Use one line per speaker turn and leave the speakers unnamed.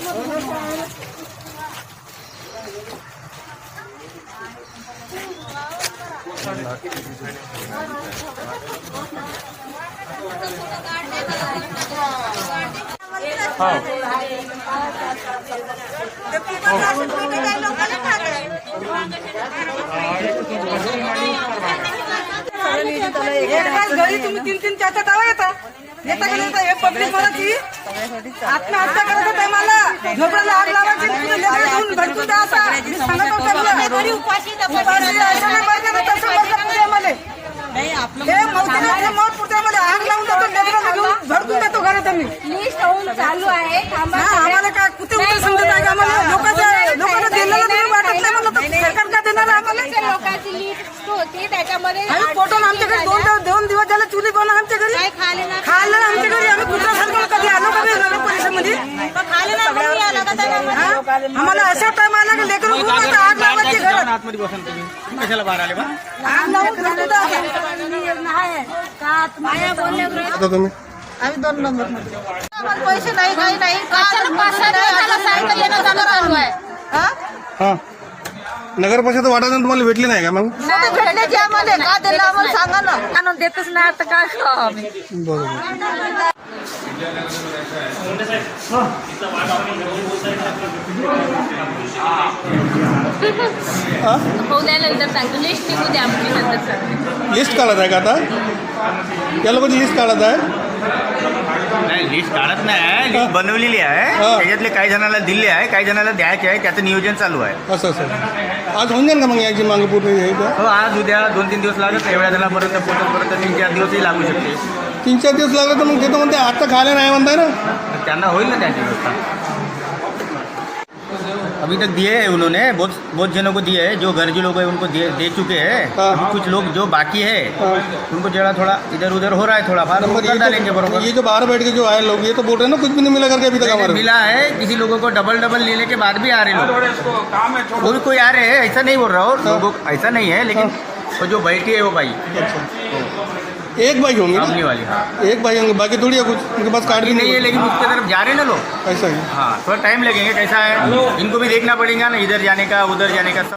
घरी तुम्ही 3-3 4-4 तावा येता हे पब्लिक मराठी आत्महत्या करायच्या टायमाला झोपड्याला आग लावायची भटकून द्या असा सांगत होता उपाशी मौत पुरते आग लावून देतो लेकरांना घेऊन भडकून देतो घरात आम्ही
लिस्ट होऊन चालू आहे.
आम्हाला काय कुठे कुठे समजत आहे का आम्हाला लोकांना दिलेलं नाही वाटत नाही म्हणलं तर सरकार का देणार आम्हाला
लोकांची लिस्ट होती त्याच्यामध्ये
आम्ही पोटून आमच्या घरी 2 दिवस झाले चुली बनवून आमच्या घरी खाल्लं आमच्या घरी आम्ही कुठं सारखं कधी आलो कधी नगर परिषदेमध्ये आम्हाला अशा टाइम आला की लेकर आग लावायची घरात
आतमध्ये बसून तुम्ही कशाला बाहेर आले बा
आग लावून
तुम्ही
आम्ही 2 नंबर मध्ये
पैसे नाही काही नाही 5 येणं जाणं चालू आहे.
हा नगर परिषद वाटायला तुम्हाला भेटली नाही का मग
भेटण्याची आम्हाला का दिलं आम्हाला सांगा ना
आणून देतच नाही आता काय खाऊ आम्ही.
बरोबर
होऊ द्यायला नंतर सांगतो लिस्ट निघू द्या आमची नंतर सांगतो.
लिस्ट काढत आहे का आता या लोकांची लिस्ट काढत आहे
नाही लिस्ट काढत नाही लिस्ट बनवलेली आहे त्याच्यातले काही जणांना दिले आहे काही जणांना द्यायचे आहे त्याचं नियोजन चालू आहे.
असं आज होऊन जाईल का मग याची मागे पूर्ण हे का
हो आज उद्या 2-3 दिवस लागत एवढ्या जणांपर्यंत पोहोचपर्यंत 3-4 दिवसही लागू शकते.
3-4 दिवस लागले तर मग ते तर म्हणते आता खायला नाही म्हणताय ना
त्यांना होईल ना त्यांची व्यवस्था. अभी तक दिए है उन्होंने बहुत जनों को दिए है जो गरजू लोग हैं उनको दे चुके हैं. अभी कुछ लोग जो बाकी है उनको जरा थोड़ा इधर उधर हो रहा है थोड़ा फार कर डालेंगे बरोबर.
ये जो बाहर बैठ के जो आए लोग ये तो बोल रहे हैं ना कुछ भी नहीं मिला करके अभी तक हमारे
मिला है किसी लोगों को डबल लेने के बाद भी आ रहे लोग वो भी कोई आ रहे हैं ऐसा नहीं बोल रहा हूँ लोगों ऐसा नहीं है लेकिन वो जो बैठी है वो भाई
एक भाई होंगे
सामने वाली. हाँ
एक भाई होंगे बाकी थोड़ी है कुछ उनके पास कार्ड भी
नहीं है लेकिन उसके तरफ जा रहे हैं ना लोग.
ऐसा ही
हाँ थोड़ा टाइम लगेंगे कैसा है इनको भी देखना पड़ेगा ना इधर जाने का उधर जाने का.